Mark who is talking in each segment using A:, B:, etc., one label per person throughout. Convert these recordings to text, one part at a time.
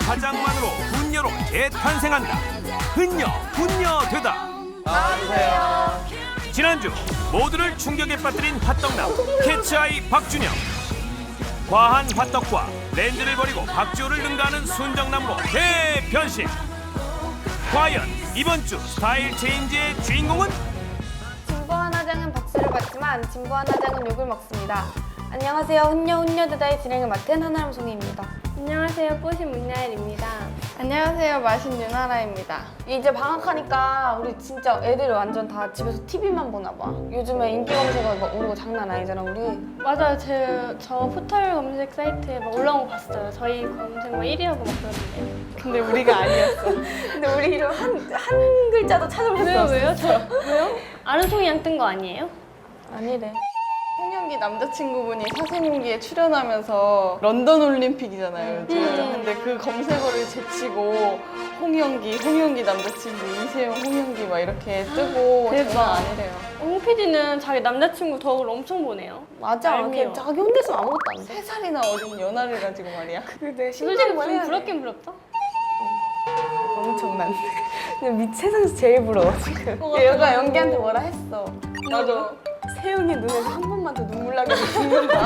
A: 화장만으로 훈녀로 재탄생한다. 훈녀 되다.
B: 나와주세요.
A: 지난주 모두를 충격에 빠뜨린 핫떡남 캐치아이 박준영. 과한 핫떡과 렌즈를 버리고 박지호를 능가하는 순정남으로 대변신. 과연 이번 주 스타일 체인지의 주인공은?
C: 진보한 화장은 박수를 받지만 진보한 화장은 욕을 먹습니다. 안녕하세요. 훈녀대다의 진행을 맡은 한아름 송이입니다.
D: 안녕하세요. 뽀신 문야일입니다.
C: 안녕하세요. 마신 유나라입니다. 이제 방학하니까 우리 진짜 애들이 완전 다 집에서 TV만 보나 봐. 요즘에 인기 검색어 막 오는 거 장난 아니잖아 우리.
D: 맞아요. 저 포털 검색 사이트에 막 올라온 거 봤어요. 저희 검색 막 1위하고 막 그러던데.
C: 근데 우리가 아니었어. 근데 우리 이름 한 글자도 찾아볼 수 없어.
D: 왜요? 왜요? 아르송이 양 뜬 거 아니에요?
C: 아니래.
B: 홍영기 남자친구분이 사생기에 출연하면서 런던 올림픽이잖아요. 근데 그 검색어를 제치고 홍영기 남자친구 이세영 홍영기 막 이렇게 뜨고
D: 대박.
B: 장난 아니래요.
D: 홍 PD는 자기 남자친구 덕을 엄청 보네요.
C: 맞아.
D: 알미요.
C: 걔 자기 혼자서 아무것도 안 돼.
B: 3살이나 어린 연하를 가지고 말이야.
C: 근데
D: 솔직히 좀 부럽긴 부럽다.
C: 엄청난데. 그냥 세상에서 제일 부러워 지금. 얘가 연기한테 뭐라 했어.
B: 맞아.
C: 세영이 눈에서 한 번만 더 눈물 나게 해서 죽는다.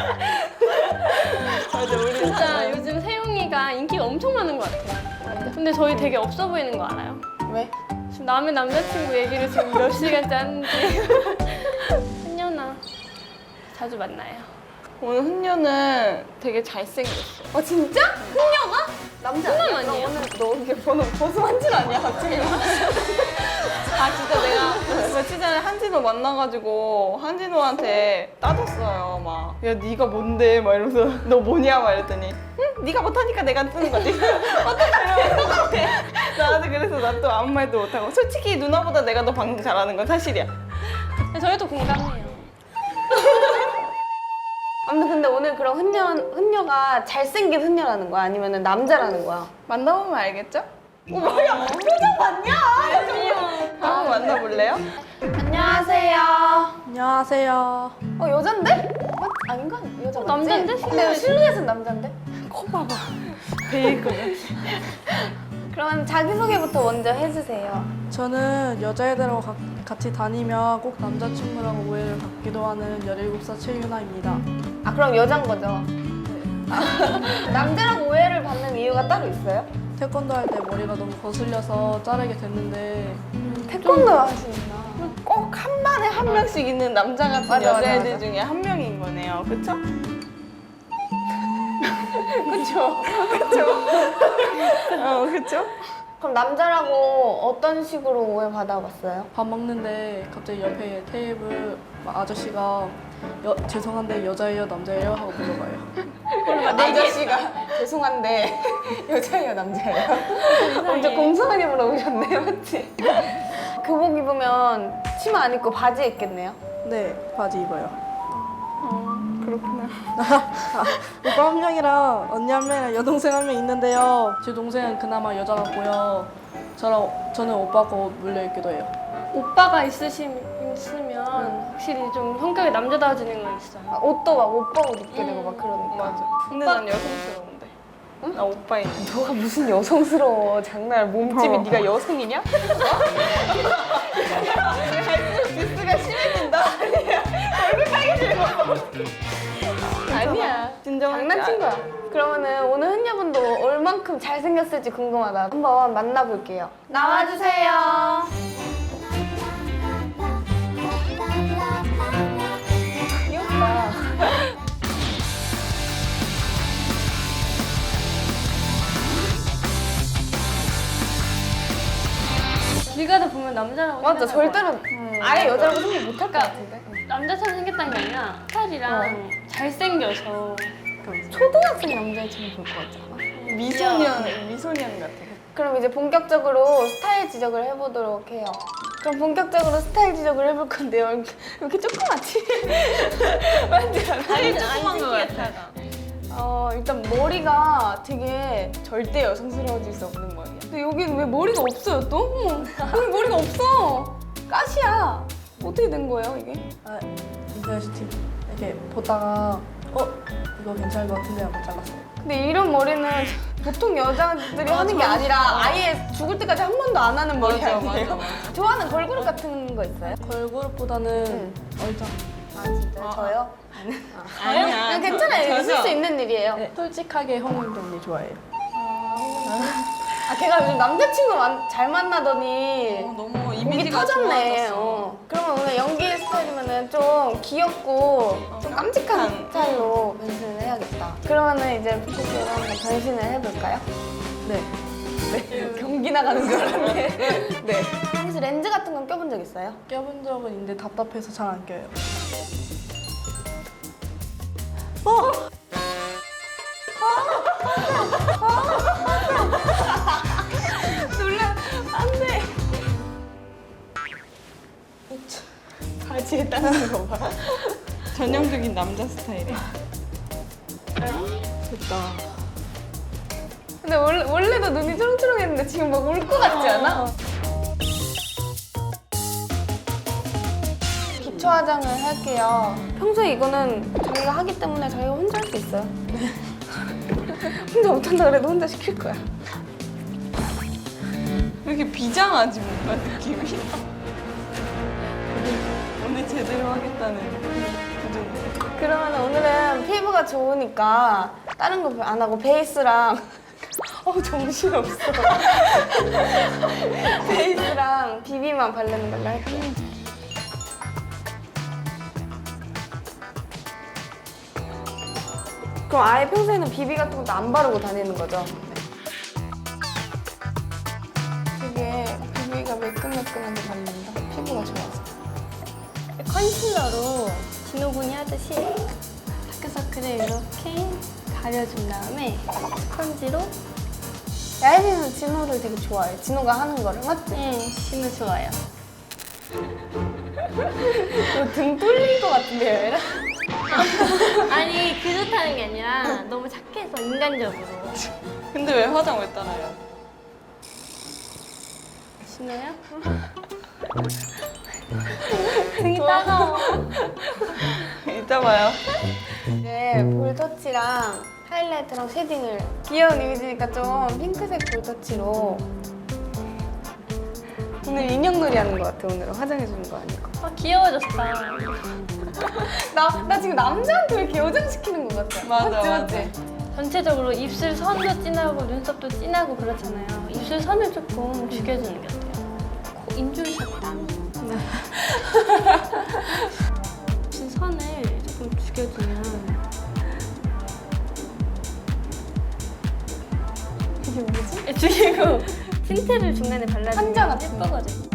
B: 맞아, 우리
D: 진짜 요즘 세용이가 인기가 엄청 많은 것 같아요. 근데 저희 되게 없어 보이는 거 알아요?
C: 왜?
D: 지금 남의 남자친구 얘기를 지금 몇 시간째 하는지. 한연아 자주 만나요.
B: 오늘 훈녀는 되게 잘생겼어.
C: 진짜? 훈녀가? 남자
D: 훈남
C: 아니야?
D: 아니에요?
C: 너 오늘 너 이게 번호 버스만질 아니야 갑자기?
B: 아 진짜 내가 며칠 전에 한진호 만나가지고 한진호한테 따졌어요. 막 야 네가 뭔데? 막 이러면서 너 뭐냐? 막 이랬더니 응? 네가 못하니까 내가 쓰는 거지. 어떡하려고 똑같아. 나한테 그래서 난 또 아무 말도 못하고 솔직히 누나보다 내가 더 방송 잘하는 건 사실이야.
D: 저희도 공감해요.
C: 아무튼 근데 오늘 그럼 훈녀가 잘생긴 훈녀라는 거야? 아니면 남자라는 거야?
B: 만나보면 알겠죠? 뭐야? 표정 봤냐? 한번 만나볼래요?
C: 안녕하세요.
E: 안녕하세요.
C: 여잔데? 아닌가? 여자 맞지?
D: 남잔데?
C: 근데 실루엣은 남잔데?
B: 베이컨.
C: 그러면 자기소개부터 먼저 해주세요.
E: 저는 여자애들하고 같이 다니면 꼭 남자친구라고 오해를 받기도 하는 17살 최유나입니다.
C: 아 그럼 여잔 거죠? 남자라고 오해를 받는 이유가 따로 있어요?
E: 태권도 할 때 머리가 너무 거슬려서 자르게 됐는데
C: 태권도 하시는구나.
B: 꼭 한 반에 한 명씩 있는 남자 같은
C: 맞아, 맞아,
B: 여자애들
C: 맞아.
B: 중에 한 명인 거네요. 그쵸? 그쵸?
C: 그럼 남자라고 어떤 식으로 오해 받아봤어요?
E: 밥 먹는데 갑자기 옆에 테이블 아저씨가 죄송한데 여자예요 남자예요 하고 물어봐요.
C: 아저씨가 죄송한데 여자예요 남자예요? 엄청 공손하게 물어보셨네요 맞지? 교복 입으면 치마 안 입고 바지 입겠네요?
E: 네, 바지 입어요.
B: 그렇구나.
E: 오빠 한 명이랑 언니 한 명이랑 여동생 한 명 있는데요. 제 동생은 그나마 여자 같고요. 저는 오빠 거 물려있기도 해요.
D: 오빠가 있으면 확실히 좀 성격이 남자다워지는 건 있어요.
C: 옷도 막 오빠 옷 입게 되고 막 그러니까
B: 맞아. 근데 난 여성스러운데. 나 오빠 있는데.
C: 너가 무슨 여성스러워 장난 몸집이 네가 여성이냐?
B: 디스가 심해진다. 얼굴 빨개지는 거.
C: 아니야
B: 진정한
C: 장난친 거야. 그러면은 오늘 흔녀분도 얼만큼 잘생겼을지 궁금하다. 한번 만나볼게요. 나와주세요. 귀엽다.
D: 길 가다 보면 남자라고
C: 맞아
D: 생각할
C: 절대로 아예 여자라고 생각 못할 것 같은데.
D: 것 같아. 남자처럼 생겼다는 게 아니라 스타일이랑 잘생겨서
C: 초등학생 남자애처럼 볼 것 같지 않아?
B: 미소년 같아.
C: 그럼 이제 본격적으로 스타일 지적을 해보도록 해요. 그럼 본격적으로 스타일 지적을 해볼 건데요. 이렇게 조그맣지? 맞지 않아?
B: 살이 조그만 거 같아.
C: 일단 머리가 되게 절대 여성스러워질 수 없는 머리야. 근데 여기는 왜 머리가 없어요 또? 여기 머리가 없어. 가시야. 어떻게 된 거예요 이게?
E: 인터넷 TV 이렇게 보다가 이거 괜찮을 것 같은데 하고 잘랐어요.
C: 근데 이런 머리는 보통 여자들이 하는 게 아니라 아예 죽을 때까지 한 번도 안 하는 머리
B: 맞아,
C: 아니에요?
B: 맞아,
C: 좋아하는 걸그룹 같은 거 있어요?
E: 걸그룹보다는 얼짱.
C: 아 진짜요? 저요?
B: 아니야.
C: 그냥 괜찮아요. 있을 수 있는 일이에요.
E: 네, 솔직하게 홍은경 언니 좋아해요.
C: 아 걔가 요즘 남자친구 잘 만나더니
B: 너무
C: 목이
B: 이미지가
C: 터졌네.
B: 좋아졌어.
C: 그러면 오늘 연기 스타일이면은 좀 귀엽고 좀 깜찍한 스타일로 변신을 해야겠다. 그러면은 이제 피디로 한번 변신을 해볼까요?
E: 네.
C: 네. 경기 나가는 줄 알았네. 네. 혹시 렌즈 같은 건 껴본 적 있어요?
E: 껴본 적은 있는데 답답해서 잘 안 껴요.
C: 놀라. 안 돼. 바지에 따는 거 봐.
B: 전형적인 남자 스타일이야.
E: 됐다.
C: 근데 원래도 눈이 초롱초롱했는데 지금 막 울 것 같지 않아? 기초 화장을 할게요. 평소에 이거는 자기가 하기 때문에 자기가 혼자 할 수 있어요. 혼자 못한다 그래도 혼자 시킬 거야.
B: 왜 이렇게 비장하지 뭔가 느낌이. 오늘 제대로 하겠다는 기준인데.
C: 그러면 오늘은 피부가 좋으니까 다른 거 안 하고 베이스랑 정신없어. 베이스랑 비비만 바르는 걸로 할게요. 그럼 아예 평소에는 비비 같은 것도 안 바르고 다니는 거죠? 되게 비비가 매끈매끈하게 바른다. 피부가 좋아서.
D: 컨실러로 진호군이 하듯이 다크서클을 이렇게 가려준 다음에 스펀지로
C: 야혜이는 진호를 되게 좋아해. 진호가 하는 거를 맞지?
D: 진호 좋아요.
C: 등 뚫릴 것 같은데요, 얘랑?
D: 아니 그렇다는 게 아니라 너무 착해서 인간적으로.
B: 근데 왜 화장 왜 따라요?
D: 진호야? 등이 따가워.
B: 이따 봐요.
C: 이제 볼터치랑 하이라이트랑 쉐딩을 귀여운 이미지니까 좀 핑크색 볼터치로 오늘 인형놀이 하는 것 같아. 오늘은 화장해주는 거 아니고.
D: 아 귀여워졌다.
C: 나 지금 남자한테 왜 이렇게 여장시키는 것 같아.
B: 맞아,
C: 맞지,
B: 맞아.
C: 맞지?
D: 전체적으로 입술 선도 진하고 눈썹도 진하고 그렇잖아요. 입술 선을 조금 죽여주는 게 어때요? 인중샷다. 입술 선을 조금 죽여주면
C: 이게 뭐지?
D: 죽이고 틴트를 중간에 발라주면
C: 한자 같은
D: 예쁘거든.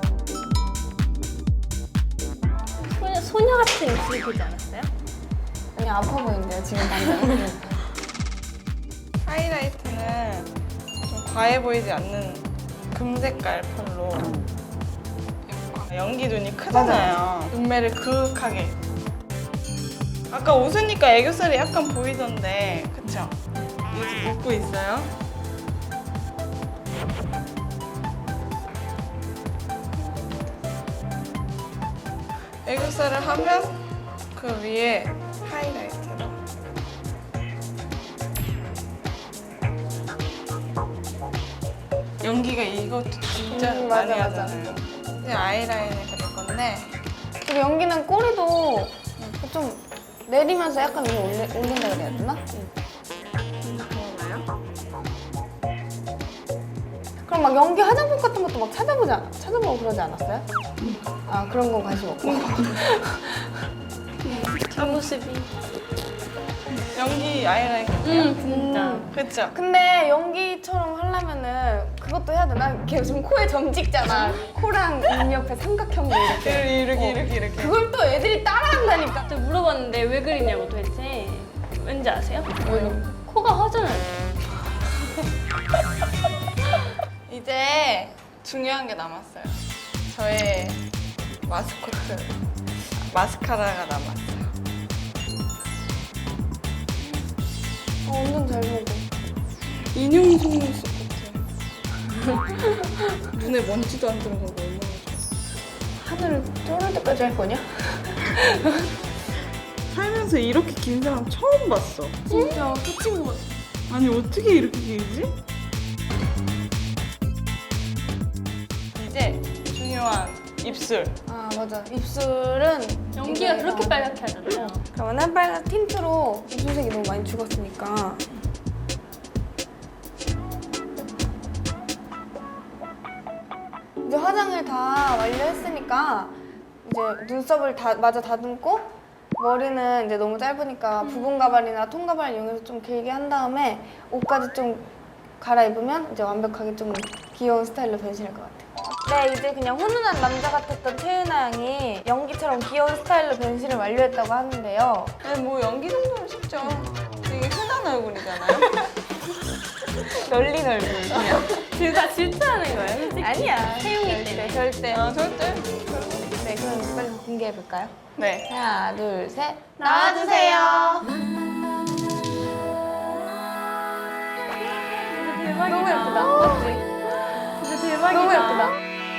D: 소녀 같은 입술이 되지 않았어요?
C: 아니 아파 보이는데요, 지금 당장.
B: 하이라이트는 좀 과해 보이지 않는 금색깔 펄로 연기 눈이 크잖아요. 눈매를 그윽하게. 아까 웃으니까 애교살이 약간 보이던데, 그쵸? 요즘 웃고 있어요? 애교살을 하면 그 위에 하이라이트로. 연기가 이것도 진짜
C: 맞아,
B: 많이
C: 맞아.
B: 하잖아요. 이제 아이라인을 그릴 건데
C: 그리고 연기는 꼬리도 좀 내리면서 약간 위에 올린다 그래야 되나? 그럼 막 연기 화장품 같은 것도 막 찾아보고 그러지 않았어요? 아 그런 건 관심 없고.
D: 뒷모습이.
B: 연기 아이라인
D: 진짜.
B: 그쵸?
C: 근데 연기처럼 하려면은 그것도 해야 되나? 걔 지금 코에 점 찍잖아. 코랑 입 옆에 삼각형도 이렇게.
B: 이렇게
C: 그걸 또 애들이 따라한다니까.
D: 또 물어봤는데 왜 그리냐고 도대체. 왠지 아세요? 코가 허전하대.
B: 이제 중요한 게 남았어요. 저의 마스코트 마스카라가 남았어요.
C: 완전 잘 먹어.
B: 인형 속눈썹 같아. 눈에 먼지도 안 들어가고 얼마나 좋아.
C: 하늘을 쫄을 때까지 할 거냐?
B: 살면서 이렇게 긴 사람 처음 봤어.
C: 진짜 끝인 것 같아.
B: 아니 어떻게 이렇게 길지? 이제 중요한 입술.
C: 아 맞아. 입술은
D: 연기가
C: 이게-
D: 그렇게 빨갛게 하잖아요.
C: 그러면 빨간 틴트로 입술색이 너무 많이 죽었으니까 이제 화장을 다 완료했으니까 이제 눈썹을 다 마저 다듬고 머리는 이제 너무 짧으니까 부분 가발이나 통 가발을 이용해서 좀 길게 한 다음에 옷까지 좀 갈아입으면 이제 완벽하게 좀 귀여운 스타일로 변신할 것 같아요. 네, 이제 그냥 훈훈한 남자 같았던 채윤아 양이 연기처럼 귀여운 스타일로 변신을 완료했다고 하는데요.
B: 아니 뭐 연기 정도는 쉽죠. 되게 흔한 얼굴이잖아요.
C: 열린 얼굴 그냥.
D: 둘 다 질투하는 거예요, 솔직히.
C: 아니야.
D: 태용이 때문에.
C: 절대.
B: 아 절대.
C: 네, 그럼 빨리 공개해 볼까요?
B: 네.
C: 하나, 둘, 셋.
D: 나와주세요. 대박이다.
C: 너무 예쁘다. 맞지?
D: 진짜 대박이다.
C: 너무 예쁘다.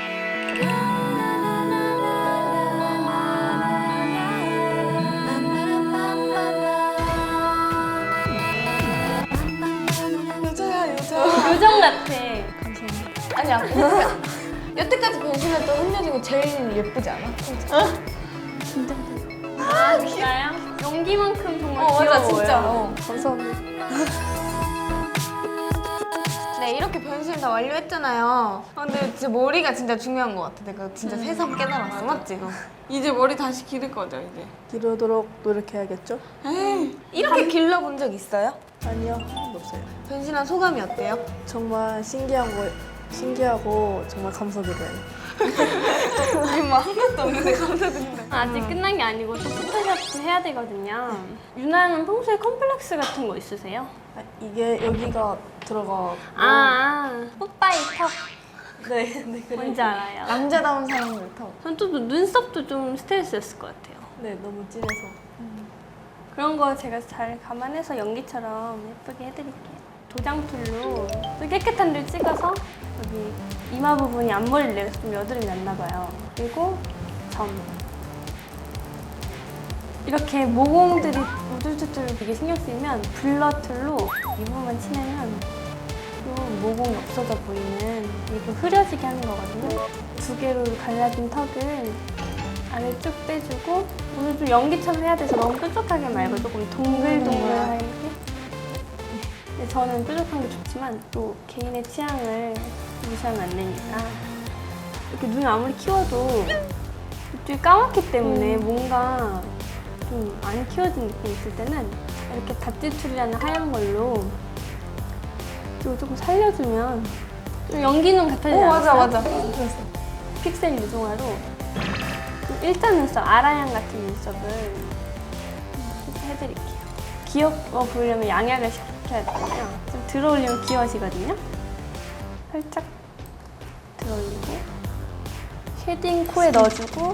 C: 여자야, 여자.
D: 요정 같아.
C: 아니야. 여태까지 변신했던 혼녀 중에 제일 예쁘지 않아?
D: 아, 진짜요? 연기만큼 정말
C: 맞아,
D: 귀여워요.
C: 진짜.
E: 감사합니다.
C: 네, 이렇게 변신을 다 완료했잖아요. 근데 진짜 머리가 진짜 중요한 것 같아. 내가 진짜 새삼 깨달았어. 맞지?
B: 이제 머리 다시 기를 거죠 이제.
E: 기르도록 노력해야겠죠?
B: 에이.
C: 이렇게 길러본 적 있어요?
E: 아니요, 한 번도 없어요.
C: 변신한 소감이 어때요?
E: 정말 신기하고 정말 감사드려요.
C: 우리 뭐 하나도 없는데 감사드린다.
D: 아직 끝난 게 아니고 또 포토샵도 해야 되거든요. 유나는 평소에 컴플렉스 같은 거 있으세요?
E: 아, 이게 여기가 들어가.
D: 뽀빠이 턱.
E: 네, 네, 그래.
D: 뭔지 알아요.
C: 남자다운 사람들 턱.
D: 전 또 눈썹도 좀 스트레스였을 것 같아요.
E: 네, 너무 진해서.
D: 그런 거 제가 잘 감안해서 연기처럼 예쁘게 해드릴게요. 도장툴로 또 깨끗한 데를 찍어서 여기 이마 부분이 앞머리를 내려서 좀 여드름이 났나 봐요. 그리고 점. 이렇게 모공들이 우둘투둘 되게 신경 쓰이면 블러 툴로 이 부분만 칠하면 또 모공이 없어져 보이는 이게 좀 흐려지게 하는 거거든요. 두 개로 갈라진 턱을 안을 쭉 빼주고 오늘 좀 연기처럼 해야 돼서 너무 뾰족하게 말고 조금 동글동글하게. 근데 저는 뾰족한 게 좋지만 또 개인의 취향을 무시하면 안 되니까 이렇게 눈을 아무리 키워도 이쪽이 까맣기 때문에 뭔가 좀 안 키워진 느낌이 있을 때는 이렇게 다찌툴이라는 하얀 걸로 이거 조금 살려주면 좀 연기 눈 같아지지 않았어요?
C: 맞아.
D: 픽셀 유동화로 좀 일자 눈썹, 아라양 같은 눈썹을 해드릴게요. 귀여워 보이려면 양약을 시켜야 되잖아요. 좀 들어올리면 귀여워지거든요. 살짝 들어올리고 쉐딩 코에 넣어주고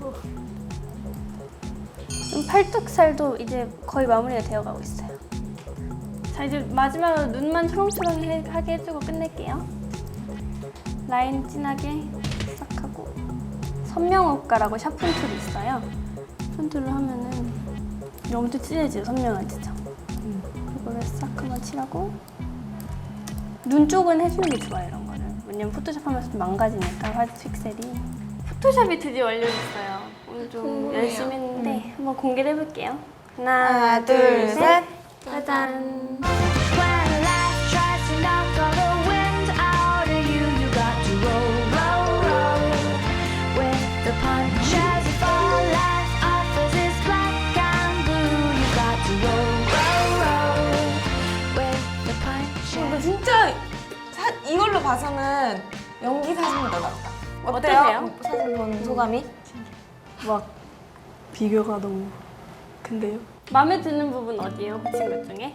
D: 좀 팔뚝살도 이제 거의 마무리가 되어가고 있어요. 자, 이제 마지막으로 눈만 초롱초롱하게 해주고 끝낼게요. 라인 진하게 싹 하고 선명효과라고 샤픈 툴이 있어요. 톤툴로 하면은 엄청 진해지죠, 선명해지죠. 이거를 싹 한번 칠하고 눈 쪽은 해주는 게 좋아요, 이런 거를. 왜냐면 포토샵 하면서 좀 망가지니까 화질 픽셀이. 포토샵이 드디어 완료됐어요. 오늘 좀 열심히 했는데 한번 공개를 해볼게요.
C: 하나, 둘, 셋.
D: 짜잔.
F: When life tries to knock all the wind out of you, you got to roll, roll, roll. With the punches you fall, life offers its black and blue. You got to roll, roll, roll. With the punches.
C: 근데 진짜 이걸로 봐서는 연기 사진보다 낫다.
D: 어떠세요?
C: 사진 본 소감이?
E: 막 비교가 너무 큰데요?
D: 마음에 드는 부분 어디예요, 붙인 것 중에?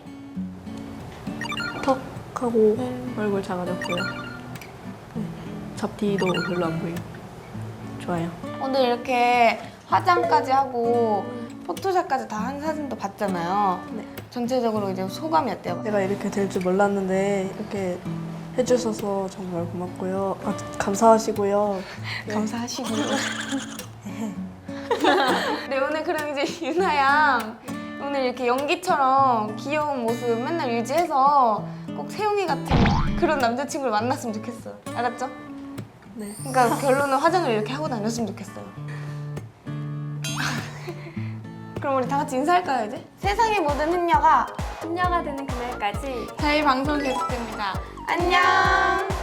E: 턱하고 얼굴 작아졌고요. 네. 잡티도 별로 안 보이고 좋아요.
C: 오늘 이렇게 화장까지 하고 포토샵까지 다 한 사진도 봤잖아요.
E: 네.
C: 전체적으로 이제 소감이 어때요?
E: 제가 이렇게 될 줄 몰랐는데 이렇게 해주셔서 정말 고맙고요. 아, 감사하시고요.
C: 감사하시고. 네, 오늘 그럼 이제 유나 양 오늘 이렇게 연기처럼 귀여운 모습 맨날 유지해서 꼭 세용이 같은 그런 남자친구를 만났으면 좋겠어요. 알았죠?
D: 네.
C: 그러니까 결론은 화장을 이렇게 하고 다녔으면 좋겠어요. 그럼 우리 다 같이 인사할까요 이제? 세상의 모든 흔녀가
D: 손녀가 되는 그날까지
C: 저희 방송 계속됩니다. 안녕.